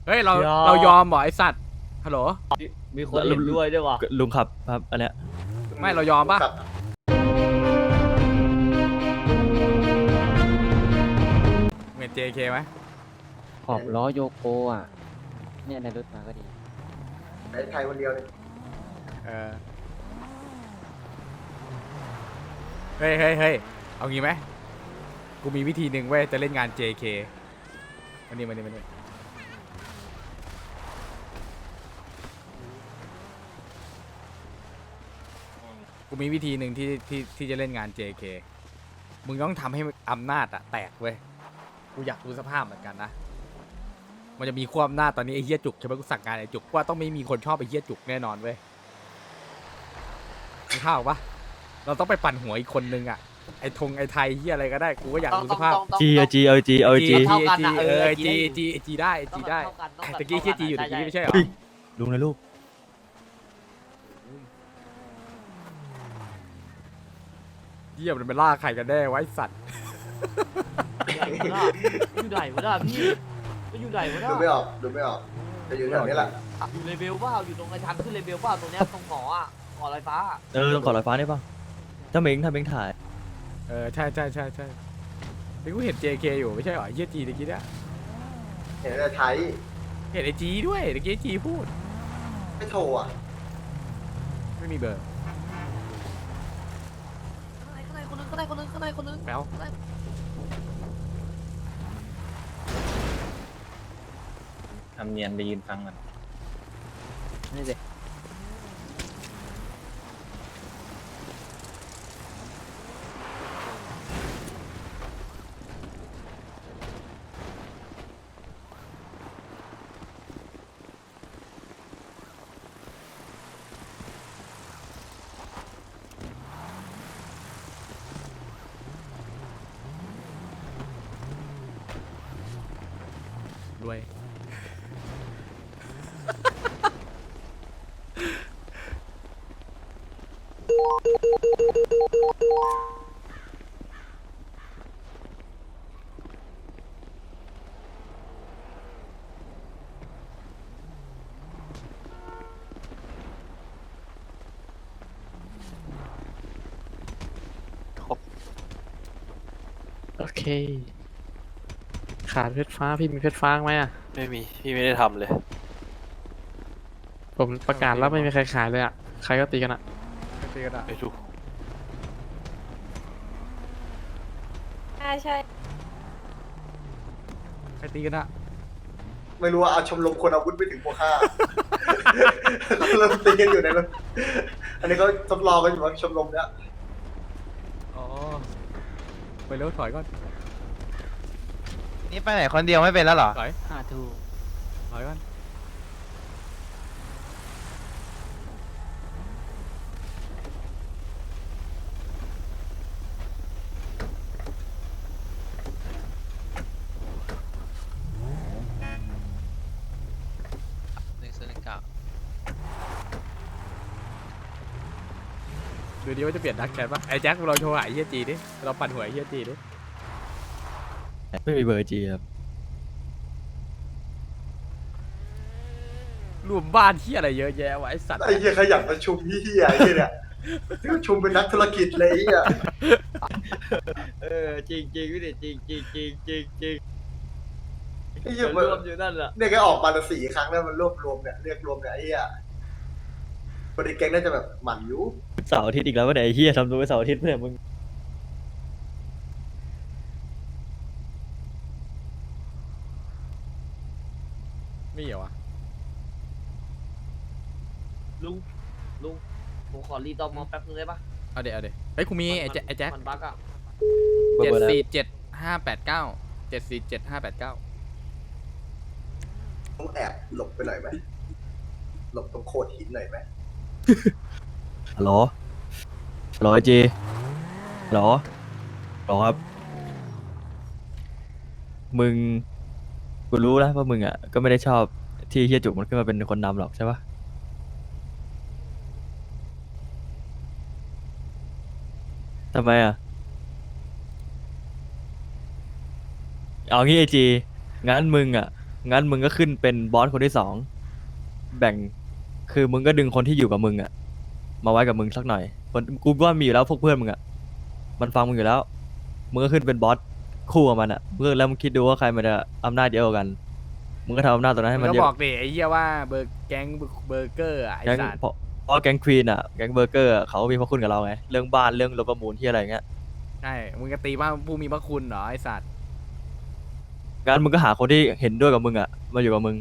เฮ้ยเรายอมเรายอมเหรอไอสัตว์ฮัลโหลมีคนเห็นด้วยด้วยวะลุงขับครับอันเนี้ยไม่เรายอมปะเงิน JK ไหมขอบล้อโยโกอ่ะ เนี่ยในรถมาก็ดีในไทยคนเดียวเลยเออเฮ้ยเฮ้ยเฮ้ยเอางี้ไหมกูมีวิธีหนึ่งเว้ยจะเล่นงาน JK วันนี้กูมีวิธีหนึ่งที่จะเล่นงาน JK มึงต้องทำให้อำนาจอะแตกเว้ยกูอยากรู้สภาพเหมือนกันนะมันจะมีความอำนาจตอนนี้ไอ้เหี้ยจุกใช่ไหมกูสั่งงานไอ้จุกว่าต้องไม่มีคนชอบไอ้เหี้ยจุกแน่นอนเว้ยมีข้าวปะเราต้องไปปั่นหัวอีกคนนึงอะไอ้ไอ้ไทยเหี้ยอะไรก็ได้กูก็อยากรู้สภาพจีเอาจีเอาจีเอาจีจีได้ตะกี้เหี้ยจีอยู่ตะกี้ไม่ใช่เหรอลุงนะลูกเหี้ยมันเป็นล่าใครกันแน่ไวะไอ้สัตว์อยู่ไหนวะน่ะพี่มันอยู่ไหนวะน่ะดูไม่ออกดูไม่ออกจะอยู่แถวนี้แหละอยู่เลเวลเปล่าอยู่ตรงไอ้ทางขึ้นเลเวลเปล่าตรงเนี้ยตรงหออ่ะหอลอยฟ้าต้องขอลอยฟ้าได้ป่ะถ้าเม้งถ่ายใช่นี่กูเห็น JK อยู่ไม่ใช่เหรอเหี้ยจีตะกี้เนี่ยเห็นในไทยเห็นไอจีด้วยตะกี้จีพูดไม่โทรอ่ะไม่มีเบอร์ข้างในคนนึงข้างในคนนึงข้างในคนนึงแป๊วทำเนียนไปยืนฟังกันนี่สิรวยโอเค ขาดเพชรฟ้าพี่มีเพชรฟ้าไหมอ่ะไม่มี พี่ไม่ได้ทำเลยผมประกาศแล้วไม่มีใครขายเลยอ่ะ ใครก็ตีกันอ่ะไม่ตีกันอะไปดูใช่ใครตีกันอะไม่รู้ว่าเอาชมรมคนอาวุธไปถึงพวกข้าเขาเริ่มตีกันอยู่ในรถอันนี้เขาทดลองกันอยู่ว่าชมรมเนี้ยอ๋อไปเร็วถอยก่อนนี่ไปไหนคนเดียวไม่เป็นแล้วเหรอถอยถูกถอยก่อนดูดิว่าจะเปลี่ยนดักแชทปะไอ้แจ็คเราโทรหาไอ้เฮียจีดิเราปั่นหัวไอ้เฮียจีดิไม่มีเบอร์จีครับรวมบ้านที่อะไรเยอะแยะวะไอสัตว์ไอ้เหี้ยขยันประชุมเหี้ยไอ้เหี้ยเนี่ยประชุมเป็นนักธุรกิจเลยไอ้เหี้ยจริงจริงพี่เด็จริงจริงจริงจริงจริงไอ้เหี้ยรมันวมอยู่นั่นแหละเนี่ยแกออกมาละ4 ครั้งแล้วมันรวบรวมเนี่ยเรียกรวมเนี่ยไอ้เหี้ยคนในแก๊งน่าจะแบบหมั่นอยู่เสาร์อาทิตย์อีกแล้ววะเนี่ยไอ้เหี้ยทำตัวเป็นเสาร์อาทิตย์เนี่ยมึงมีเหรอวะลุงผมขอรีตอมอแป๊บนึงได้ปะเอาเดี๋ยวเฮ้ยกูมีไอ้แจ็คมันบั๊กอ่ะเบอร์อะไร 747-589 ต้องแอบหลบไปหน่อยไหมหลบตรงโขดหินหน่อยไหมฮัลโหลฮัลโหลไอจีฮัลโหลฮัลโหลครับมึงกูรู้แล้วว่ามึงอ่ะก็ไม่ได้ชอบที่เฮียจุกมันขึ้นมาเป็นคนนำหรอกใช่ปะทำไมอ่ะเอางี้ไอจีงั้นมึงอ่ะงั้นมึงก็ขึ้นเป็นบอสคนที่สองแบ่งคือมึงก็ดึงคนที่อยู่กับมึงอะมาไว้กับมึงสักหน่อยคนกูว่ามีอยู่แล้วพวกเพื่อนมึงอะมันฟังมึงอยู่แล้วมึงก็ขึ้นเป็นบอสคู่กับมันอะเพื่อแล้วมึงคิดดูว่าใครมันจะอำนาจเยอะกว่ากันมึงก็ทำอำนาจตรงนั้นให้มึมังนก็เยอะบอกดิไอ้เหี้ยว่าแก๊งเบอร์เกอร์อะไอ้แก๊งสัตว์เพราะแก๊งควีนอะแก๊งเบอร์เกอร์อะเขามีพระคุณกับเราไงเรื่องบ้านเรื่องรถประมูลที่อะไรเงี้ยใช่ มึงก็ตีว่าผู้มีพระคุณเหรอไอ้สัตว์งั้นมึงก็หาคนที่เห็นด้วยกับมึงอะมาอยู่กับมึง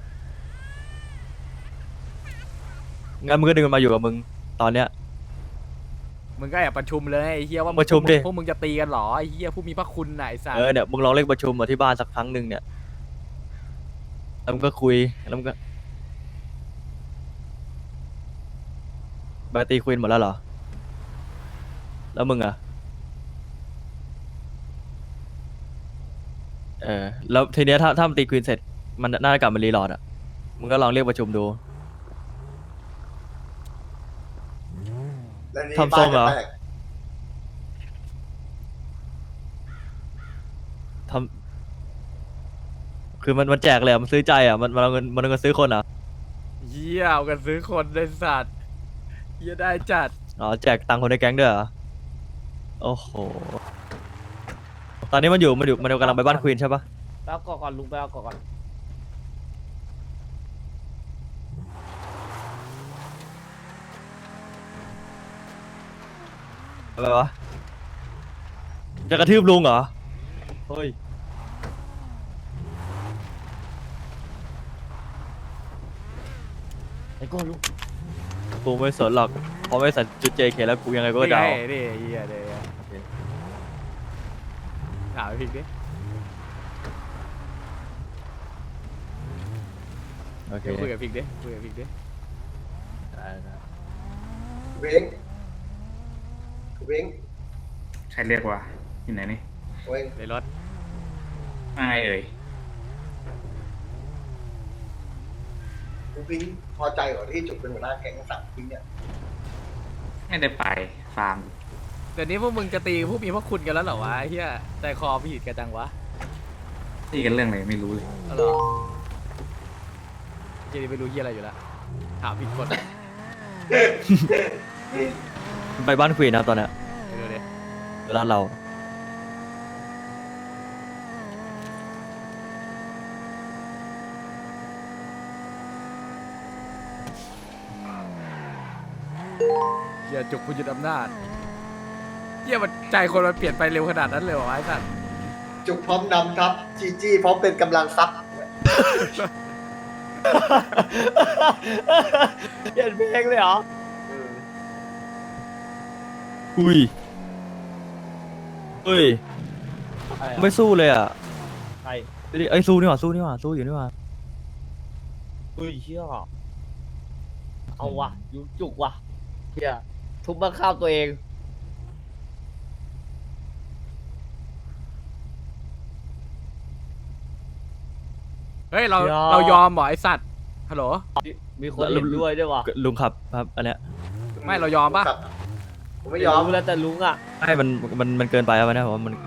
งั้นมึงก็ดึงมันมาอยู่กับมึงตอนเนี้ยมึงก็แอบประชุมเลยไอ้เหี้ยว่าประชุมดิพวกมึงจะตีกันเหรอไอ้เหี้ยผู้มีพระคุณน่ะไอ้สัตว์เนี่ยมึงลองเรียกประชุมมาที่บ้านสักครั้งหนึ่งเนี่ยแล้วมึงก็คุยแล้วมึงก็ตีควีนหมดแล้วเหรอแล้วมึงอะแล้วทีเนี้ยถ้ามันตีควีนเสร็จมันน่าจะกลับมารีโหลดอะมึงก็ลองเรียกประชุมดูแล้วนี่ทำทรงเหรอบ้านจะแตกทำคือมันแจกเลยอะมันซื้อใจอะมันเอาเงินซื้อคนอะเหี้ยเอากันซื้อคนไอ้สัตว์เหี้ยได้จัดอ๋อแจกตังค์คนในแก๊งด้วยเหรอโอ้โหตอนนี้มันกำลังไปบ้านควีนใช่ปะไปเอาก่อนลุงไปเอาก่อนอะไรวะจะกระทืบลุงเหรอเฮ้ยไอ้ก้อนลุงกูไม่สนหรอกเพราะไม่ใส่จุด JK แล้วกูยังไงก็นี่เดาไงนี่ไอ้เหี้ยเดี๋ยวถามไอ้พิกดิโอเคเดี๋ยวคุยกับพิกดิคุยกับพิกดิเว้งเว้งใครเรียกว่าอยู่ไหนนี่เว้งในรถว่าไงเอ่ยกูพิงพอใจเหรอที่จุกเป็นหัวหน้าแก๊งสั่งพิงเนี่ยไม่ได้ไปฟาร์มเดี๋ยวนี้พวกมึงจะตีผู้มีพระคุณกันแล้วเหรอวะไอ้เหี้ยใจคอผิดกันจังวะตีกันเรื่องอะไรไม่รู้เลยเอาเหรอเจนี่ไม่รู้เหี้ยอะไรอยู่แล้วถามผิดคนไปบ้านควีนนะครับตอนเนี้ยเดี๋ยวดิร้านเราเหี้ยจุกผู้ยึดอำนาจเหี้ยมันใจคนมันเปลี่ยนไปเร็วขนาดนั้นเลยเหรอวะไอ้สัตว์จุกพร้อมนำทัพจีจี้พร้อมเป็นกำลังซับเปลี่ยนเพลงเลยเหรออุ้ยเฮ้ยไม่สู้เลยอ่ะใครไอ้ยสู้นี่หว่าสู้อยู่นี่หว่าอุ้ยเชี่ยเอาวะยุจุกวะเชี่ยทุบบ้านข้าวตัวเองเฮ้ยเรายอมเหรอไอ้สัตว์ฮัลโหลมีคนเห็นด้วยด้วยวะลุงขับครับอันเนี้ยไม่เรายอมปะผมไม่ยอมรู้แล้วแต่ลุงอ่ะให้มันเกินไปครับอันเนี้ยผมว่ามัน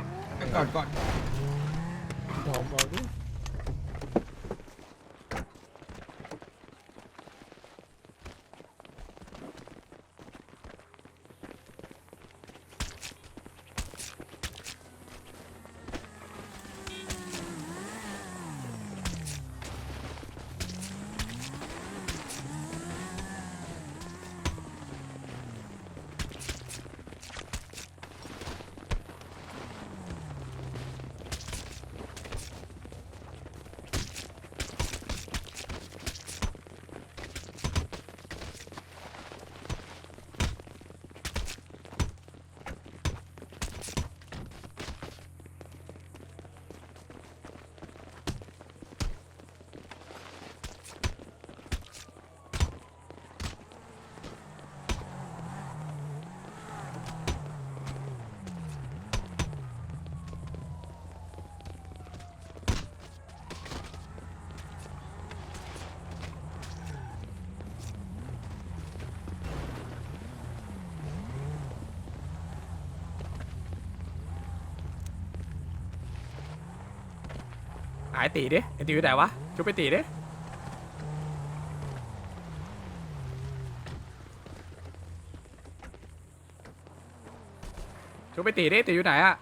ยอมเอาดิหายตีดิไอ้ตีอยู่ไหนวะชุบไปตีดิชุบไปตีดิตีอยู่ไหนอะ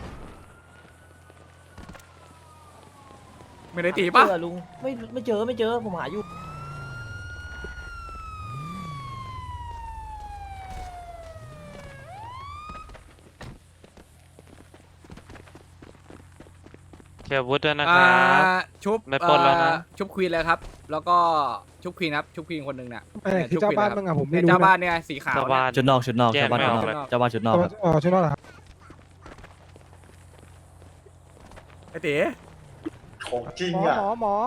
ไม่ได้ตีปะเจอลุงไม่เจอผมหาอยู่เชียร์วุฒิด้วยนะครับชุบไม่ปล้นแล้วนะชุบควีนเลยครับ แล้วก็ชุบควีนครับชุบควีนคนหนึ่งเนี่ยไปไหนคือเจ้าบ้านบ้างอะผมไม่เนี่ยรู้เจ้านะบ้านเนี่ยสีขาวชาวเนี่ยบ้านชุดนอกชุดนอกแยกชาวบ้านไม่ชุดออกนอกเลยชาวบ้านชุดนอกครับอ๋อใช่ไหมล่ะครับไอ้ตีของจริงหมออ่ะหมอหมอ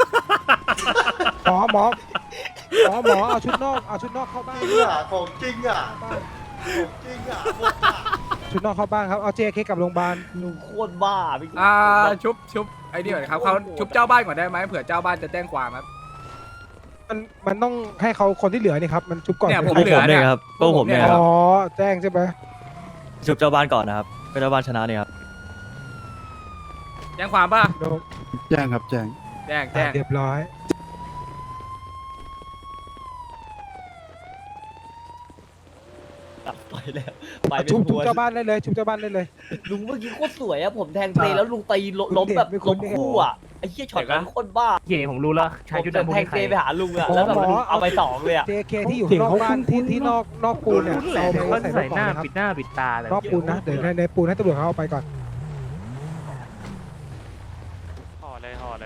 หมอเอาชุดนอกเข้าบ้านจริงอ่ะของจริงอ่ะของจริงอ่ะหมดอ่ะชุดนอกเข้าบ้านครับเอา JK กลับโรงพยาบาลลุงโคตรบ้าพี่ชุบไอ้นี่ก่อนครับเขาชุบเจ้าบ้านก่อนได้ไหมเผื่อเจ้าบ้านจะแจ้งความครับมันต้องให้เขาคนที่เหลือนี่ครับมันชุบก่อนเนี่ยไหผมพวกเหลืผอมเนี่ยครับพวกผมเนี่ยครับอ๋อแจ้งใช่ไหมชุบเจ้าบ้านก่อนนะครับก็เจ้าบ้านชนะเนี่ยครับแจ้งความป่ะแจ้งครับแจ้งแจ้งเรียบร้อยไปแล้วไปเป็นชุบหัวเจ้าบ้านได้เลยชุบเจ้าบ้านได้เลยลุงเมื่อกี้โคตรสวยอะผมแทงเตะแล้วลุงตีล้มแบบไม่คุ้ล้นมไม่คุ้นคู่อะไอ้เหี้ยช็อตนั้นโคตรบ้าเย่ผมรู้แล้วชายชุดผมดำแทงเตะไปหาลุงอะแล้วแบบหมอลุงเอาไปสองเลยอะ JK ที่อยู่นอกบ้านที่นอกปูนเนี่ยเอาไปเขาใส่ใส่รถหก่อน้านนะครับปิดหน้าปิดตาเลยนอกปูนนะเดี๋ยวในปูนให้ตำรวจเขาเอาไปก่อนห่อเลย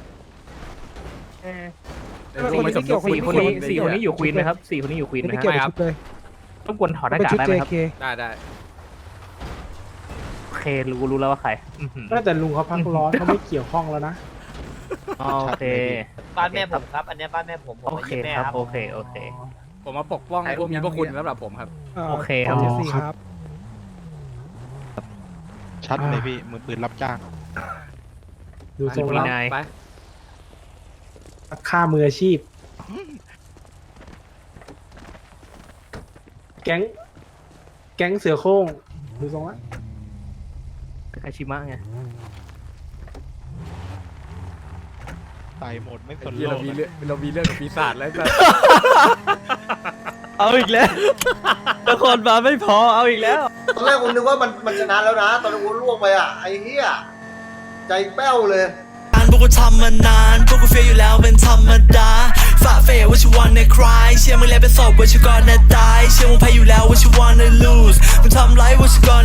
เดี๋ยวลุงไปสมทบสี่คนนี้อยู่ควีนไหมครับสี่คนนี้อยู่ควีนไหมไม่ฮะเกี่ยวกับชุดเลยต้องกวนถอดหน้าเป็นกากชุดได้ไหมครับ JK ได้โอเครู้แล้วว่าใครแต่ลุงเขาพักร้อนเขาไม่เกี่ยวข้องแล้วนะโอเคบ้านแม่ผมครับ อันเนี้ยบ้านแม่ผมโอเคแม่ครับโอเคผมมาปกป้องพวกมีพวกคุณสำหรับผมครับโอเคครับเจสซี่ครับชัดเลยพี่มือปืนรับจ้างดูทรงมีแล้วนายไปค่ามืออาชีพ แก๊งเสือโคร่งดูทรงแล้วคาชิมะไงตายหมดไม่สนเหี้ยโลเรากมีเรื่องเรามีเรื่องกับปีศาจแล้วจ้ะเอาอีกแล้วนครบาลไม่พอเอาอีกแล้วตอนแรกผมนึกว่ามันชนะแล้วนะ ตอนนั้นผมล่วงไปอ่ะไอ้เหี้ยใจแป้วเลยพวกกูทำมานานพวกกูเฟียอยู่แล้วเป็นธรรมดาฝ่าเฟยว่าชิวันในคลายเชื่อมึงแล้วเป็นศพว่าชิวันในตายเชื่อมึงแพ้อยู่แล้วว่าชิวันใน lose มึงทำไรว่าชิวัน